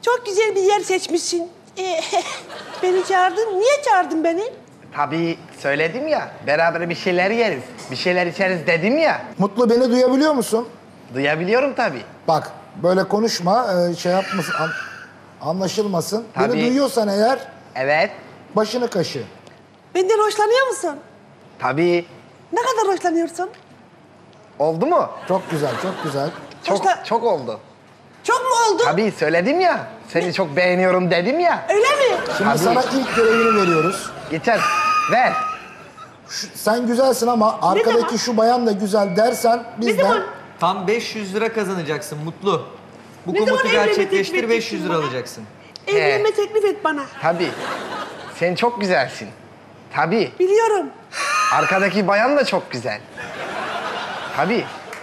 Çok güzel bir yer seçmişsin. Beni çağırdın. Niye çağırdın beni? Tabii söyledim ya, beraber bir şeyler yeriz, bir şeyler içeriz dedim ya. Mutlu, beni duyabiliyor musun? Duyabiliyorum tabii. Bak, böyle konuşma, şey yapmasın, anlaşılmasın. Tabii. Beni duyuyorsan eğer, Evet, başını kaşı. Benden hoşlanıyor musun? tabii. Ne kadar hoşlanıyorsun? Oldu mu? Çok güzel, çok güzel. Çok oldu. Çok mu oldu? Tabii söyledim ya, seni çok beğeniyorum dedim ya. Öyle mi? Şimdi Tabii. sana ilk görevini veriyoruz. Geçer, ver. Sen güzelsin ama arkadaki zaman? şu bayan da güzel dersen bizden... zaman? Tam 500 lira kazanacaksın Mutlu. Bu Ne zaman komutu evlenme gerçekleştir, teklif 500 lira ettin bana? alacaksın. Evlenme teklif et bana. Tabii. Sen çok güzelsin. Tabii. Biliyorum. Arkadaki bayan da çok güzel. Tabii.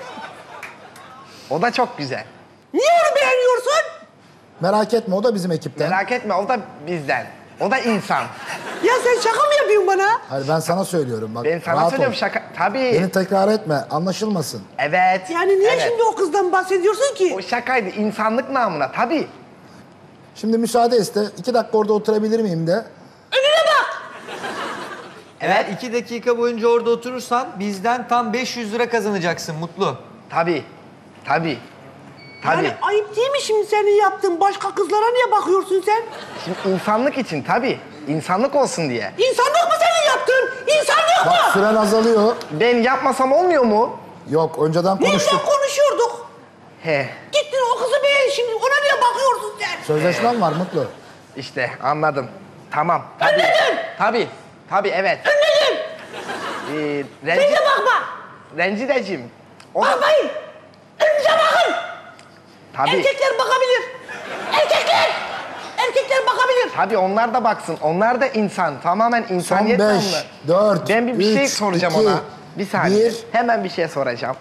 O da çok güzel. Niye onu beğeniyorsun? Merak etme, o da bizim ekipten. Merak etme, o da bizden. O da insan. Ya sen şaka mı yapıyorsun bana? Hayır, ben sana söylüyorum. Bak, Ben sana rahat söylüyorum ol. şaka. Tabii. Beni tekrar etme, anlaşılmasın. Evet. Yani niye evet. şimdi o kızdan bahsediyorsun ki? O şakaydı, insanlık namına tabii. Şimdi müsaade iste. 2 dakika orada oturabilir miyim de. Önüne bak! Eğer 2 dakika boyunca orada oturursan bizden tam 500 lira kazanacaksın Mutlu. Tabii. Tabii. Tabii. Yani ayıp değil mi şimdi senin yaptığın? Başka kızlara niye bakıyorsun sen? Şimdi insanlık için tabii. İnsanlık olsun diye. İnsanlık mı senin yaptığın? İnsanlık Bak, mı? süren azalıyor. Ben yapmasam olmuyor mu? Yok, önceden Neyden konuştuk. konuşuyorduk? He. Gittin o kızı beğen şimdi. Ona niye bakıyorsun sen? Sözleşmen var Mutlu. İşte anladım. Tamam. Tabii. Anladın? Tabii. Tabii evet. Önledim. Renci... Sen de bakma. Rencideciğim. O da... Bakmayın. Önünüze bakın. Tabii. Erkekler bakabilir. Erkekler. Erkekler bakabilir. Tabii onlar da baksın. Onlar da insan. Tamamen Son insaniyet 5, namına. 4, Ben bir şey 3, soracağım 2, ona. Bir saniye. 1. Hemen bir şey soracağım.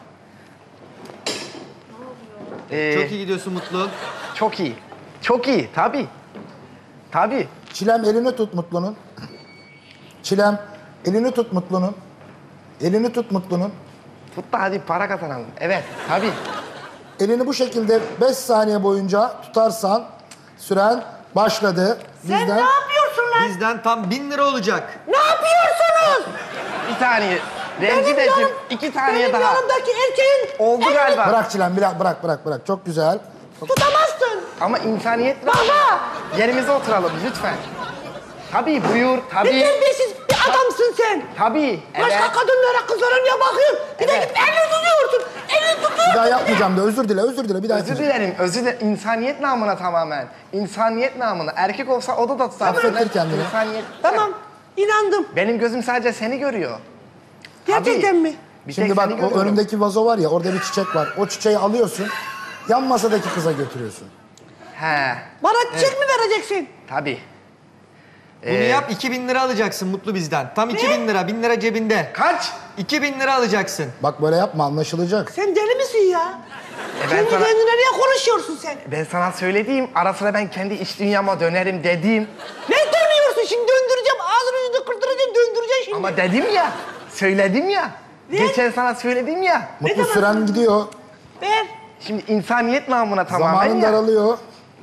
Çok iyi gidiyorsun Mutlu. Çok iyi. Çok iyi. Tabii. Tabii. Çilem, elini tut Mutlu'nun. Çilem, elini tut Mutlu'nun. Elini tut Mutlu'nun. Tut da hadi para kazanalım. Evet. Tabii. Elini bu şekilde 5 saniye boyunca tutarsan süren başladı. Sen ne yapıyorsun lan? Bizden tam 1000 lira olacak. Ne yapıyorsunuz? Bir saniye. Rencideciğim 2 saniye benim daha. yanımdaki erkeğin Oldu elini galiba. Bırak Çilem, bırak. Çok güzel. tutamazsın. Ama insaniyet var. Baba! Yerimize oturalım lütfen. Tabii buyur. Ne Tabii. terbiyesiz bir adamsın sen. Tabii. Evet. Başka kadınlara, kızlara niye bakıyorsun? Bir de Evet. git elini tutuyorsun. Elini Bir tutuyorsun. daha yapmayacağım da özür dile bir daha Özür yapmayacağım. dilerim, özür dilerim. İnsaniyet namına tamamen. İnsaniyet namına. Erkek olsa o da tutar. Affettir kendini. İnsaniyet. Tamam, inandım. Benim gözüm sadece seni görüyor. Gerçekten Tabii. mi? Bir Şimdi tek bak, seni o görüyorum. önündeki vazo var ya, orada bir çiçek var. O çiçeği alıyorsun, yan masadaki kıza götürüyorsun. He, Bana çiçek mi vereceksin? tabii. Bunu yap 2000 lira alacaksın Mutlu bizden. Tam 2000 lira, 1000 lira cebinde. Kaç? 2000 lira alacaksın. Bak böyle yapma, anlaşılacak. Sen deli misin ya? Ben Kendi sana, kendine niye konuşuyorsun sen? ben sana söylediğim, ara sıra ben kendi iç dünyama dönerim dedim. Ne dönüyorsun şimdi? Döndüreceğim. Ağzını yüzünü kırdıracağım. Döndüreceğim şimdi. Ama dedim ya, söyledim ya. Ne? Geçen sana söyledim ya. Mutlu, süren gidiyor, Ver. Şimdi insaniyet namına tamamen zamanın ya. daralıyor.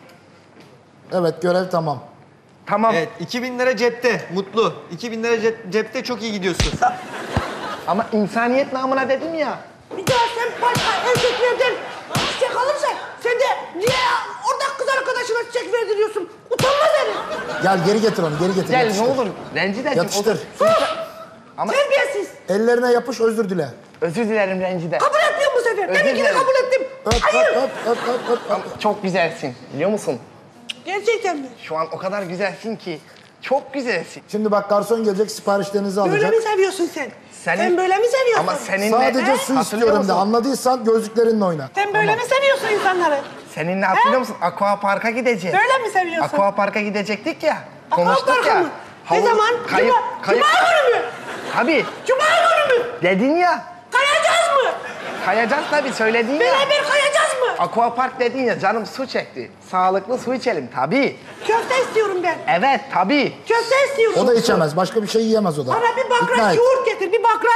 Evet, görev tamam. Tamam. Evet 2000 lira cepte Mutlu. 2000 lira cepte çok iyi gidiyorsun. Ama insaniyet namına dedim ya. Bir daha sen başka erkeklerden çiçek alırsan sen de niye orada kız arkadaşına çiçek verdiriyorsun? Utanmaz herif. Gel geri getir onu, geri getir. Gel yapıştır. ne olur. Rencideciğim. Yapıştır. Ama Terbiyesiz. Ellerine yapış, özür dile. özür dilerim Rencide. Kabul etmiyorum bu sefer. Özür Demin ki de dilerim. kabul ettim. Öp, Hayır. öp. Çok güzelsin biliyor musun? Gerçekten mi? Şu an o kadar güzelsin ki. Çok güzelsin. Şimdi bak, garson gelecek, siparişlerinizi Böyle alacak. mi seviyorsun sen? Senin- Sen böyle mi seviyorsun? Ama seninle... Sadece su Hatırlıyor istiyorum musun? de, anladıysan gözlüklerinle oyna. Sen böyle mi seviyorsun insanları? Seninle hatırlıyor musun? Aqua Park'a gideceğiz. Böyle mi seviyorsun? Aqua Park'a gidecektik ya. Aqua Konuştuk Park'a ya. mı? Ne zaman? Kayıp, kayıp. Cuma günü mü? Tabii. Cuma günü mü? Dedin ya. Kayacağız mı? Kayacağız tabii söyledin ya. Beraber kayacağız mı? Aqua Park dedin ya, canım su çekti. Sağlıklı su içelim tabii. Köfte istiyorum ben. Evet tabii. Köfte istiyorum. O da içemez, başka bir şey yiyemez o da. Bana bir İkna bakraç et. yoğurt getir, bir bakraç.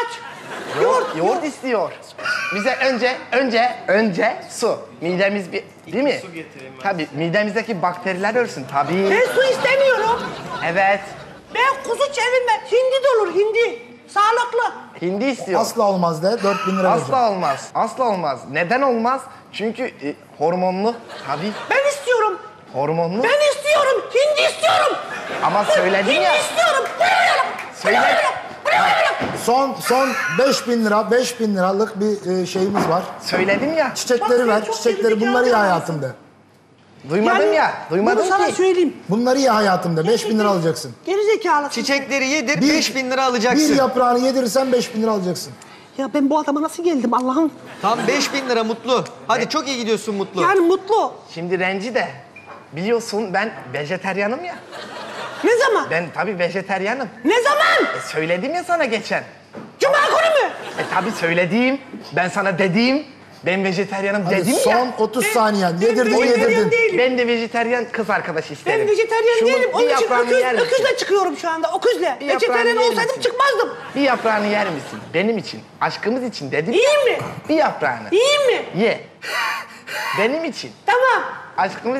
Yoğurt istiyor. Bize önce su. Midemiz değil mi? Su getireyim ben. Tabii midemizdeki bakteriler ölsün tabii. Ben su istemiyorum. Evet. Ben kuzu çevirme. Hindi de olur hindi. Sağlıklı. Hindi istiyor. Asla olmaz de 4000 lira vereceğim. Asla olmaz. Asla olmaz. Neden olmaz? Çünkü hormonlu. Tabii. Ben istiyorum. Hormonlu. Ben istiyorum. Hindi istiyorum. Ama söyledin ya. Hindi istiyorum. Söyle. Son 5000 lira, 5000 liralık bir şeyimiz var. Söyledim ya. Çiçekleri Bak, ver, sen çok çiçekleri gerizekalı bunları ye adamsın. hayatımda. Duymadım ya. Bunu Duymadım sana ki. söyleyeyim. Bunları ye hayatımda, 5000 lira alacaksın. Gerizekalısın. Çiçekleri yedir, Bir- 5000 lira alacaksın. Bir yaprağını yedirirsen 5000 lira alacaksın. Ya ben bu adama nasıl geldim Allah'ım? Tam 5000 lira Mutlu. Hadi çok iyi gidiyorsun Mutlu. Yani mutlu. Şimdi Renci de. Biliyorsun ben vejeteryanım ya. Ne zaman? Ben tabii vejeteryanım. Ne zaman? Söyledim ya sana geçen. Cuma günü mü? Tabii söylediğim. Ben sana dediğim. Ben vejeteryanım Hadi dedim son ya. 30 saniyen. Yedirdin vejetaryen yedirdin. değilim. Ben de vejeteryan kız arkadaş isterim. Ben vejetaryen Şunun değilim. bir Onun için yaprağını yer misin? öküzle çıkıyorum şu anda. Öküzle. Bir yaprağını Vejetaryen yer olsaydım misin? çıkmazdım. Bir yaprağını yer misin? Benim için, aşkımız için dedim. Yiyeyim mi? Bir yaprağını. Yiyeyim mi? Ye. Benim için. Tamam. Aşkımız...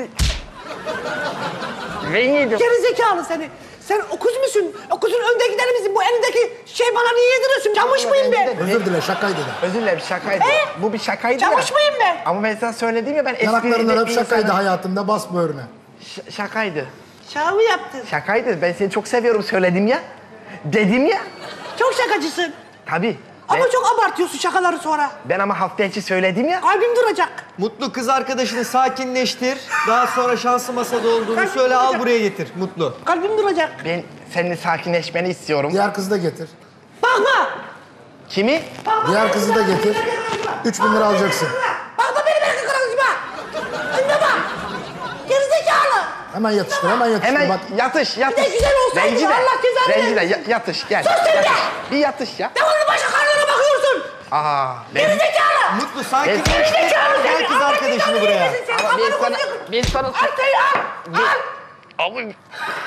Ben yedim. Gerizekalı seni. Sen öküz müsün? Öküzün önde gideni misin? Bu elindeki şey bana niye yediriyorsun? Camış mıyım ben? Özür dile şakaydı de. Özür dilerim şakaydı. Bu bir şakaydı Camış ya. mıyım ben? Ama ben sana söyledim ya ben Yanaklarından esprili hep bir şakaydı insanım. hayatımda bas böğrüne. Şakaydı. Şaka mı yaptın? Şakaydı. Ben seni çok seviyorum söyledim ya. Dedim ya. Çok şakacısın. Tabii. Ama Ben, çok abartıyorsun şakaları sonra. ben ama hafta içi söyledim ya. Kalbim duracak. Mutlu kız arkadaşını sakinleştir. Daha sonra şanslı masada olduğunu söyle, al buraya getir Mutlu. Kalbim duracak. Ben seninle sakinleşmeni istiyorum. Diğer kızı da getir. Bakma. Kimi? Diğer kızı da getir. 3000 lira alacaksın. Bakma benim erkek arkadaşıma. Önüne bak. Gerizekalı. Hemen yatıştır, hemen yatıştır. Hemen Bak, yatış. Bir de güzel olsaydı Rencide. Allah cezanı Rencide versin. yatış gel. Sus sen de. Yatış. Bir yatış ya. Devamlı başka karnına bakıyorsun. Aa. Ben, Gerizekalı. Mutlu sakinleştir. Gerizekalı Gel seni. kız arkadaşını buraya. Sen Ama ben kafanı sana... koyacaksın. Ben sana... Al. Abi.